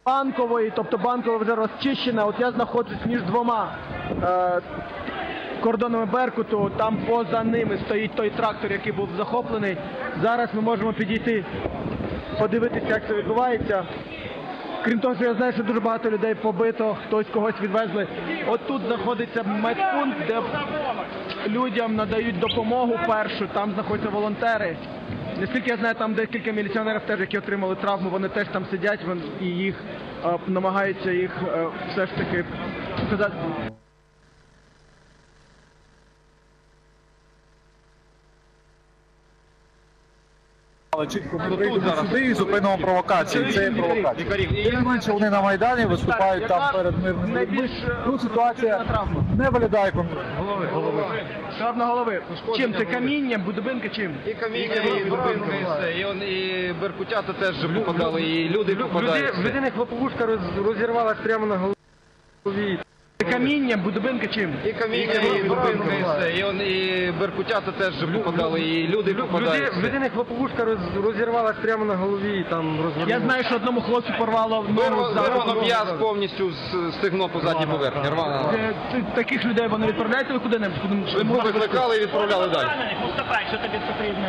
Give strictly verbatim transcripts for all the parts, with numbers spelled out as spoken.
Банкової, тобто Банкова вже розчищена. От я знаходжусь між двома е, кордонами Беркуту, там поза ними стоїть той трактор, який був захоплений. Зараз ми можемо підійти, подивитися, як це відбувається. Крім того, що я знаю, що дуже багато людей побито, хтось когось відвезли. От тут знаходиться медпункт, де людям надають допомогу першу, там знаходяться волонтери. Наскільки я знаю, там декілька міліціонерів теж, які отримали травму, вони теж там сидять і їх е, намагаються їх е, все ж таки сказати. Але чітко ми прийдемо сюди і зупинимо провокації. Це є провокація. Тим не менше вони на Майдані виступають там перед мирними людьми. Тут ситуація не виглядає контрольно. Травма голови. Чим? Це камінням, будинка чим? І каміння, і дубинка, і все. І, он, і беркутята теж попадали, і люди попадають. В людини хлоповушка розірвалась прямо на голові. Камінням, будинка чим? І каміння, і дубинка, і все. І, он, і беркутята теж попадали, і люди попадають. В людини хлоповушка розірвалась прямо на голові. Там я знаю, що одному хлопцю порвало ногу. Вирвано м'яз повністю з стегно по задній поверхні. Таких людей вони відправляють ви куди-небудь? Ми викликали і відправляли далі. Поступай, що тобі потрібно.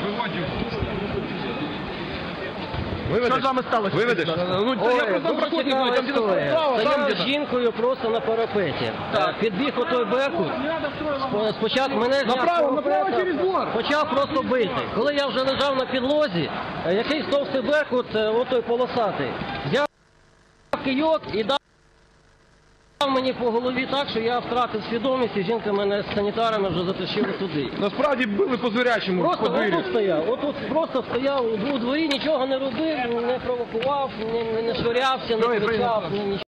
Що з вами сталося? Виведеш? Ну, я просто проходив, там стояв з жінкою просто на парапеті. Підбіг отой Беркут, спочатку мене зняв, почав просто бити. Коли я вже лежав на підлозі, якийсь товстий Беркут, отой полосатий, взяв кийок і дав мені по голові так, що я втратив свідомість, і жінка мене з санітарами вже затащила туди. Насправді били по звірячому. Просто отут стояв, отут просто стояв у дворі, нічого не робив, не провокував, не, не швирявся, не кричав, нічого.